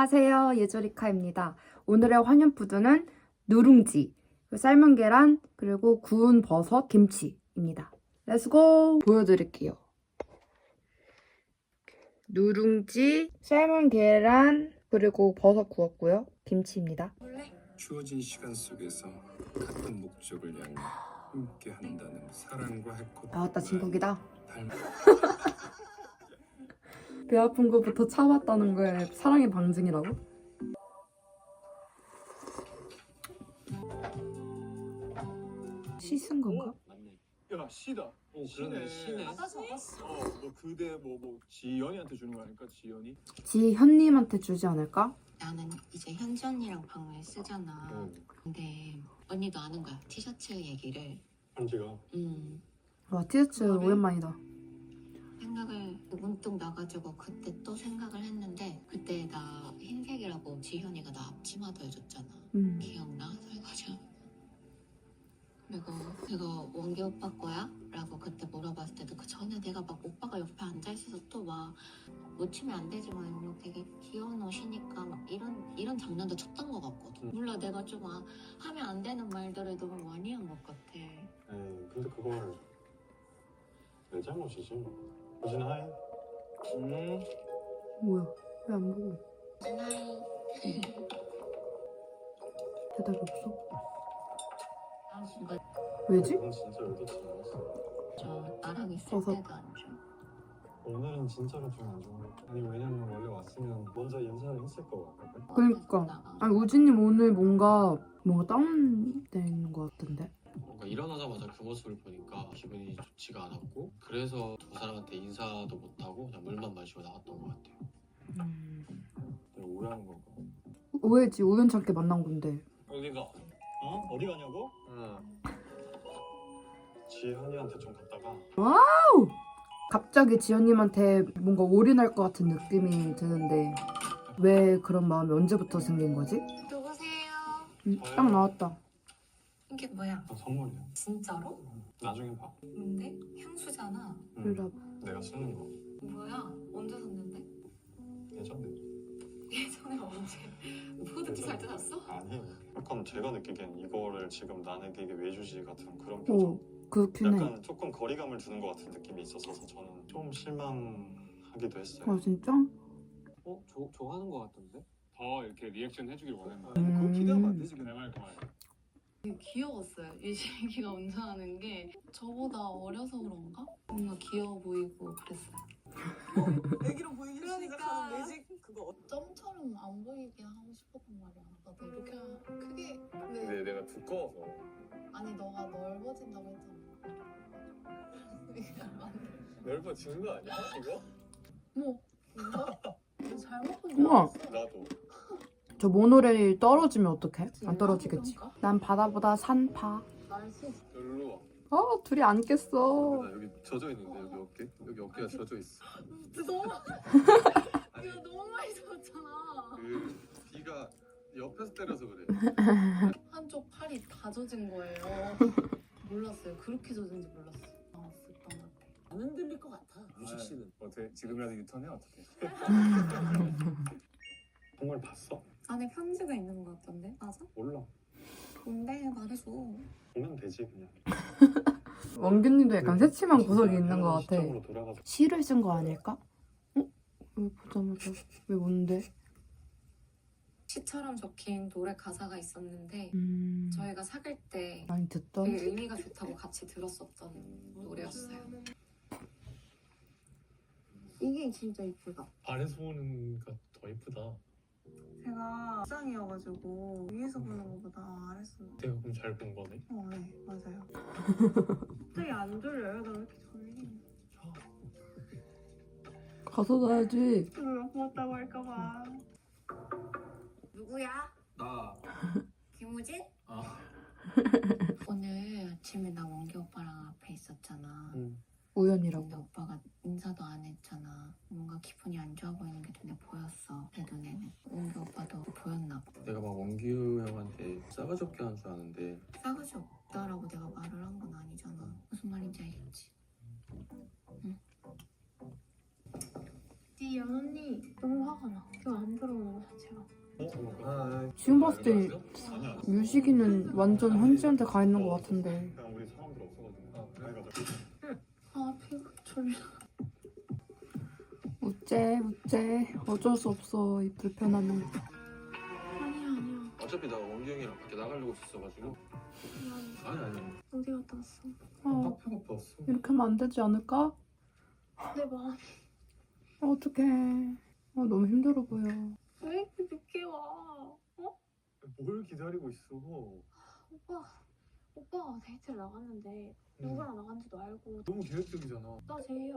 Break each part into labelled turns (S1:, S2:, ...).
S1: 안녕하세요, 예조리카입니다. 오늘의 환연푸드는 누룽지, 삶은 계란, 그리고 구운 버섯, 김치입니다. 렛츠고! 보여드릴게요. 누룽지, 삶은 계란, 그리고 버섯 구웠고요. 김치입니다.
S2: 주어진 시간 속에서 같은 목적을 향해 함께 한다는 사랑과 해코.
S1: 나왔다, 진국이다.
S2: 닮...
S1: 배 아픈 것부터 참았다는 거에 사랑의 방증이라고? 씻은 건가?
S3: 야 시다.
S4: 그러네, 시네.
S5: 받아 적었어.
S3: 뭐 그대 뭐 지연이한테 주는 거 아닐까? 지연이?
S1: 지현님한테 주지 않을까?
S5: 나는 이제 현지 언니랑 방을 쓰잖아. 근데 언니도 아는 거야. 티셔츠 얘기를.
S3: 현지가.
S1: 와, 티셔츠 오랜만이다.
S5: 생각을 문득 나가지고 그때 또 생각을 했는데 그때 나 흰색이라고 지현이가 나 앞치마도 해줬잖아. 기억나? 설거지. 그리고 내가 원기 오빠 거야? 라고 그때 물어봤을 때도 그 전에 내가 막 오빠가 옆에 앉아있어서 또 막 놓치면 안 되지만 뭐 되게 귀여운 옷이니까 막 이런 장난도 쳤던 것 같거든. 몰라 내가 좀 하면 안 되는 말들을 너무 많이 한 것 같아.
S3: 에이 근데 그걸 내 잘못이지. 호진 하이.
S1: 뭐야, 왜 안 보고?
S5: 하이.
S1: 대답이 없어?
S5: 이거
S1: 왜지?
S3: 넌 진짜 의도치 않았어.
S5: 저 나랑 있을
S1: 버섯.
S5: 때도 안 줘.
S3: 오늘은 진짜로 좀 안 좋아. 아니 왜냐면 원래 왔으면 먼저 인사를 했을 거 같거든.
S1: 그러니까. 아니, 우진님 오늘 뭔가 다운된 것 같은데?
S4: 뭔가 일어나자마자 그 모습을 보니까 기분이 좋지가 않았고 그래서 두 사람한테 인사도 못하고 그냥 물만 마시고 나왔던 것 같아요.
S3: 내가 오해하는 건가?
S1: 오해지, 우연찮게 만난 건데.
S3: 어디가? 어? 어디 가냐고? 지현이한테 좀 갔다가
S1: 갑자기 지연님한테 뭔가 올인할 것 같은 느낌이 드는데 왜 그런 마음이 언제부터 생긴 거지?
S5: 누구세요?
S1: 딱 나왔다.
S5: 이게 뭐야?
S3: 선물이야.
S5: 진짜로?
S3: 나중에 봐.
S5: 뭔데? 향수잖아.
S1: 일로 와봐.
S3: 내가 쓰는 거.
S5: 뭐야? 언제 샀는데?
S3: 예전에.
S5: 예전에 언제? 포드티 살 때 샀어?
S3: 아니. 약간 제가 느끼기엔 이거를 지금 나에게 왜 주지 같은 그런
S1: 오,
S3: 표정.
S1: 그렇긴 해.
S3: 약간 조금 거리감을 두는 것 같은 느낌이 있었어서 저는 좀 실망하기도 했어요.
S1: 아, 진짜?
S4: 좋아하는 것 같던데?
S3: 더 이렇게 리액션 해주길 원했는데
S1: 그거 기대하면 안
S3: 되지 내 말 그 말.
S6: 되게 귀여웠어요. 유진이가 운전하는 게 저보다 어려서 그런가? 뭔가 귀여워 보이고 그랬어요.
S5: 애기로 보이기
S6: 그러니까.
S5: 시작하는 매직 그거
S6: 점처럼 안 보이게 하고 싶었단 말이야. 나도 이렇게 크게
S3: 근데 내가 두꺼워서.
S6: 아니 너가 넓어진다고 했잖아.
S3: 넓어지는 거 아니야 이거?
S6: 뭐? 뭔가? 너 잘못 본줄
S1: 우와.
S6: 알았어.
S3: 나도.
S1: 저 모노레일 떨어지면 어떡해? 안
S6: 지금
S1: 떨어지겠지.
S6: 그런가?
S1: 난 바다보다 산파.
S6: 날씨
S3: 여기로
S1: 둘이 안 깼어.
S3: 나 여기 젖어 있는데 여기 어깨가 젖어 있어.
S6: 너무
S3: 아니
S6: 이거 너무 많이 젖었잖아.
S3: 그 비가 옆에서 때려서 그래.
S6: 한쪽 팔이 다 젖은 거예요. 몰랐어요. 그렇게 젖은지 몰랐어요. 나왔었던 것 같아.
S5: 안 흔들릴 것 같아.
S3: 유식 씨는 어떻게 지금이라도 유턴해 어떻게? 정말 봤어?
S6: 안에 편지가 있는 것 같던데? 맞아?
S3: 몰라.
S6: 뭔데? 말해줘.
S3: 보면 되지 그냥.
S1: 원균님도 약간 새침한 구석이 있는 것 같아.
S3: 시점으로 돌아가서
S1: 시를 쓴 거 아닐까? 왜 보자마자 왜 뭔데?
S6: 시처럼 적힌 노래 가사가 있었는데 저희가 사귈 때
S1: 많이 듣던?
S6: 되게 의미가 좋다고 같이 들었었던 노래였어요. 이게 진짜 이쁘다.
S3: 아래서 보는 게 더 이쁘다.
S6: 제가 옥상이어가지고 위에서 보는 것보다 아래서.
S3: 내가 그럼 잘 본 거네.
S6: 네, 맞아요. 갑자기 안 졸려요? 나 왜 이렇게 졸리?
S1: 가서 자야지.
S6: 고맙다고 할까봐. 누구야?
S4: 나
S6: 김우진?
S4: 아.
S5: 오늘 아침에 나 원기 오빠랑 앞에 있었잖아. 근데
S1: 우연이라고.
S5: 오빠가 인사도 안 했잖아. 뭔가 기분이 안 좋아 보이는 게 눈에 보였어. 내 눈에는. 원기 오빠도 보였나 봐.
S4: 내가 막 원규 형한테 싸가지 없게 하는 줄 아는데
S5: 싸가지 없다라고 내가 말을 한 건 아니잖아. 무슨 말인지 알겠지? 응.
S6: 네 연언니 너무 화가 나. 이거 안 들어오는 거 자체가.
S1: 지금 봤을 때
S3: 아니야.
S1: 유식이는 완전 현지한테 가 있는 것 같은데.
S3: 그냥 우리 사람들 없어가지고.
S6: 아 피부 졸려.
S1: 어째 어쩔 수 없어 이 불편함은.
S6: 아니야.
S4: 어차피 나 원경이랑 밖에 나가려고 있었어가지고. 아니.
S6: 어디 갔다 왔어?
S3: 카페 갔다 왔어.
S1: 이렇게 하면 안 되지 않을까?
S6: 내 마음.
S1: 어떡해. 너무 힘들어 보여.
S6: 왜 이렇게 늦게 와? 어?
S3: 뭘 기다리고 있어?
S6: 오빠가 데이트를 나갔는데 누구랑 나간지도 알고.
S3: 너무 계획적이잖아.
S6: 나 제이야.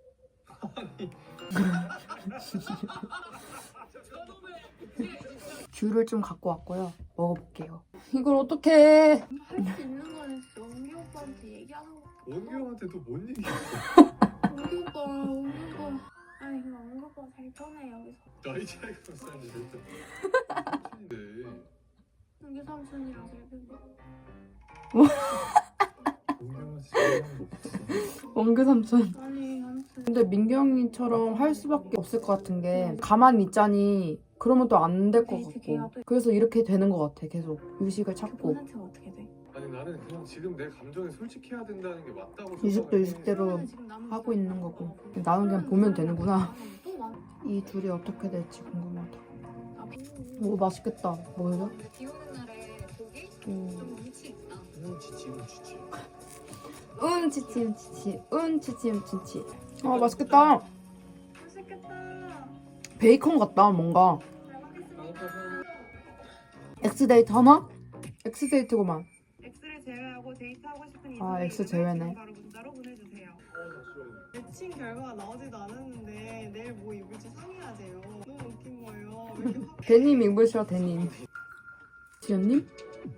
S1: 귤을 좀 갖고 왔고요. 먹어볼게요. 이걸 어떡해.
S6: 할 수 있는 거는 원기 오빠한테 얘기하는 거.
S3: 원규 형한테 또 뭔 얘기했어?
S6: 원기 오빠. 아니 그냥 원기 오빠가 제일 편해 여기서.
S3: 나이 차이가 몇 살인데 진짜. 근데
S6: 원기 삼촌이랑 제일 편해.
S3: 원규 형은 진짜 사람도 없어.
S1: 원규 삼촌.
S6: 아니 아무튼.
S1: 근데 민경이처럼 할 수밖에 없을 것 같은 게 가만히 있자니 그러면 또 안 될 것 같고. 그래서 이렇게 되는 것 같아. 계속 유식을 찾고.
S6: 본한테가 어떻게 돼?
S3: 아니 나는 그냥 지금 내 감정에 솔직해야 된다는 게 맞다고
S1: 유식도
S3: 생각해.
S1: 유식대로 하고 있는 거고. 나는 그냥 보면 되는구나. 이 둘이 어떻게 될지 궁금하다. 오 맛있겠다. 뭐예요?
S5: 비 오는 날에 고기
S1: 음.
S5: 좀 운치 있다.
S1: 치치. 맛있겠다.
S6: 맛있겠다.
S1: 베이컨 같다 뭔가.
S6: 잘 먹겠습니다.
S1: 엑스데이트 하나? 엑스데이트구만.
S7: X를 제외하고 데이트하고 싶은
S1: 아,
S7: 이성의
S1: X
S7: 이름을
S1: 제외네.
S7: 지금 바로 문자로 보내주세요. 매칭 결과가 나오지도 않았는데 내일 뭐 입을지 상의하세요. 너무 웃긴 거예요. 왜 이렇게 확
S1: 데님 입으셔 데님. 지연님?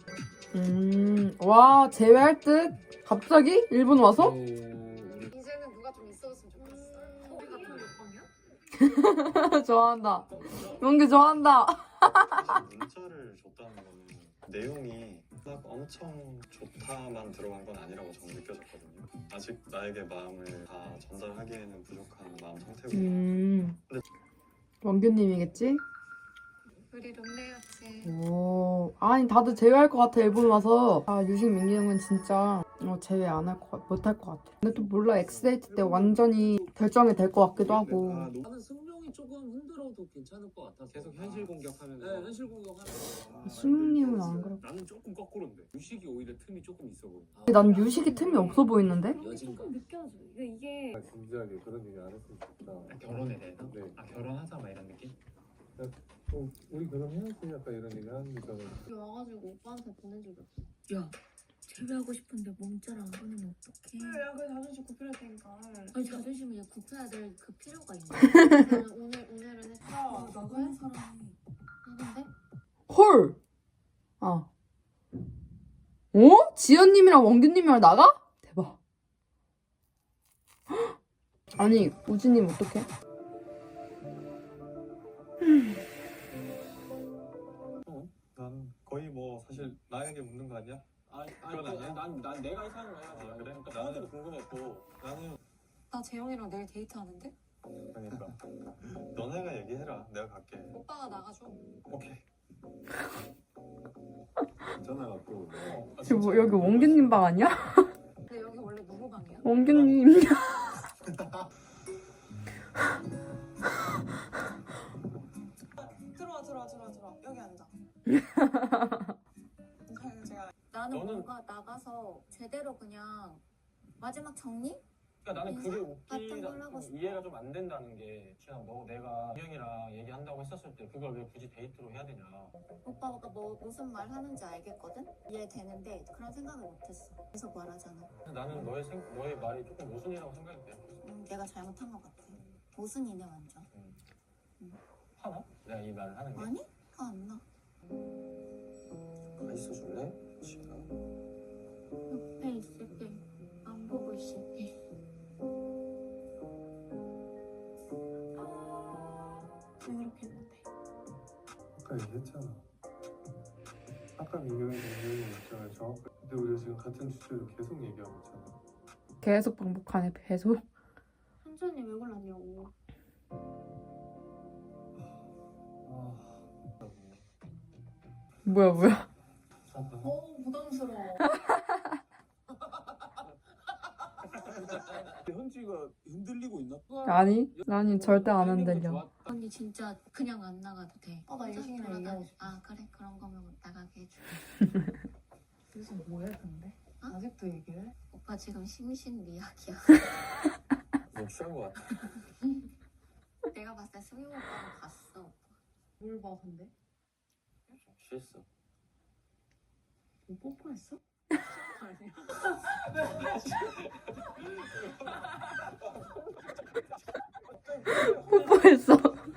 S1: 와 제외할 듯? 갑자기? 일본 와서?
S5: 이제는 누가 좀 있었으면 좋겠어. 우리 같은 몇 번이야?
S1: 좋아한다. 용기 좋아한다.
S3: 사실 문자를 줬다는 거는 내용이 막 엄청 좋다만 들어간 건 아니라고 저는 느껴졌거든요. 아직 나에게 마음을 다 전달하기에는 부족한 마음 상태고.
S1: 원규님이겠지?
S5: 우리 룸메였지.
S1: 오, 아니 다들 제외할 것 같아 일본 와서. 유식 민기 형은 진짜 제외 안 할 것 못할 것 같아. 근데 또 몰라 엑스데이트 때 완전히 결정이 될 것 같기도 하고.
S8: 나는 승용이 조금 흔들어도 괜찮을 것 같아서
S4: 계속 현실 공격하면서.
S8: 네, 현실 공격하면
S1: 수능님은 안 그래.
S8: 나는 조금 거꾸로인데 유식이 오히려 틈이 조금 있어 보여.
S1: 난 유식이 틈이 없어 보이는데?
S8: 여진가?
S6: 조금 느껴져. 이게
S3: 진지하게 그런 얘기 안 했으면 좋겠다.
S9: 결혼에 대해서?
S3: 네.
S9: 결혼하자 막 이런 느낌?
S3: 우리 결혼해야지 약간 이런 얘기 하는 거잖아.
S6: 여기 와가지고 오빠한테 보낸 적이 없어.
S5: 야, 제외하고 싶은데 문자를 안 보내면 어떡해?
S7: 야, 그 자존심 굽힐 테니까.
S5: 아니 자존심을 이제 굽혀야 될 그 필요가 있나? 나는 오늘은 했다.
S7: 나가는
S5: 사람이 누군데?
S1: 헐! 지연님이랑 원규님이랑 나가? 대박. 아니 우진님 어떡해?
S3: 난 거의 뭐 사실 나에게 묻는 거 아니야? 그건 아니야?
S8: 난 내가 이상한 거 해야지.
S3: 그래?
S8: 그러니까
S3: 나는
S8: 나한테도 궁금했고.
S3: 나는
S5: 나 재영이랑 내일 데이트하는데?
S3: 그러니까 너네가 얘기해라. 내가 갈게.
S5: 오빠가 나가줘.
S3: 오케이. 전화가 또.
S1: 지금 뭐 여기 원규님 방 아니야?
S5: 근데 여기 원래 누구 방이야?
S1: 원규님.
S7: 들어와. 여기 앉아. 제가
S5: 나는
S8: 너는-
S5: 뭔가 나가서 제대로 그냥 마지막 정리?
S8: 그러니까 나는 그게
S5: 같은 걸 하고 싶어.
S8: 이해가 좀 안 된다는 게 그냥 내가 형이랑 얘기한다고 했었을 때 그걸 왜 굳이 데이트로 해야 되냐.
S5: 오빠가 무슨 말 하는지 알겠거든? 이해되는데 그런 생각을 못했어. 계속 말하잖아.
S8: 나는 너의 말이 조금 모순이라고 생각이 돼.
S5: 내가 잘못한 것 같아. 모순이네 완전.
S8: 화나? 내가 이 말을 하는 게.
S5: 아니? 화 안 나.
S8: 가 있어줄래? 지금.
S5: 옆에 있을 때 안 보고 있을 때.
S6: 왜 이렇게 못해?
S3: 아까 얘기했잖아. 아까 민경이 입장을 정확하게. 근데 우리가 지금 같은 주제로 계속 얘기하고 있잖아.
S1: 계속 반복하네 계속.
S6: 천천히 왜 골랐냐고.
S1: 뭐야.
S6: 부담스러워.
S9: 현지가 흔들리고 있나?
S1: 아니 절대 안 흔들려.
S5: 언니 진짜 그냥 안 나가도 돼.
S6: 나 유식이랑
S5: 돌아다니-
S6: 얘기하고 싶어.
S5: 아 그래 그런 거면 나가게 해줄게.
S6: 그래서 뭐해 근데?
S5: 어?
S6: 아직도 얘기해?
S5: 오빠 지금 심신미약이야.
S3: 너 취한 거 같아.
S5: 내가 봤을 때 승용 오빠는 봤어.
S6: 뭘 봐 근데?
S3: 취했어.
S6: 뭐 뽀뽀했어? 아니야.
S1: 뽀뽀했어.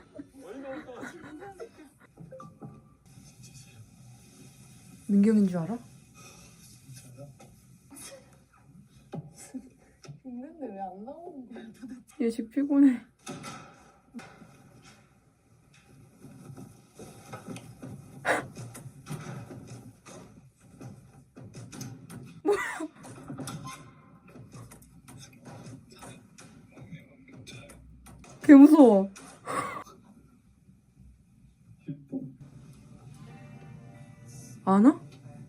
S1: 민경인 줄 알아?
S6: 있는데 왜 안 나오는 거야 도대체?
S1: 예식 피곤해. 개 무서워. 안 와?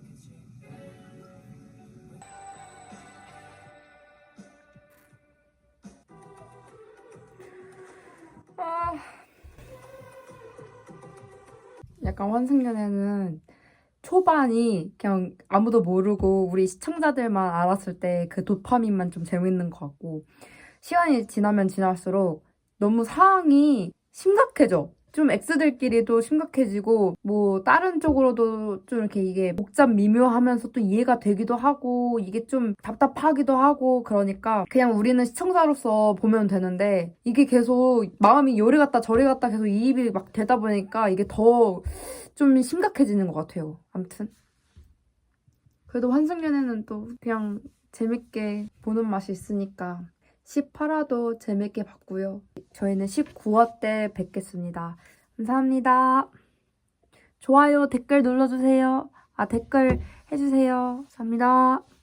S1: 약간 환승연애는 초반이 그냥 아무도 모르고 우리 시청자들만 알았을 때 그 도파민만 좀 재밌는 것 같고 시간이 지나면 지날수록 너무 상황이 심각해져. 좀 X들끼리도 심각해지고 뭐 다른 쪽으로도 좀 이렇게 이게 복잡 미묘하면서 또 이해가 되기도 하고 이게 좀 답답하기도 하고 그러니까 그냥 우리는 시청자로서 보면 되는데 이게 계속 마음이 요리 갔다 저리 갔다 계속 이입이 막 되다 보니까 이게 더 좀 심각해지는 것 같아요. 아무튼 그래도 환승연애는 또 그냥 재밌게 보는 맛이 있으니까 18화도 재밌게 봤고요. 저희는 19화 때 뵙겠습니다. 감사합니다. 좋아요, 댓글 눌러주세요. 댓글 해주세요. 감사합니다.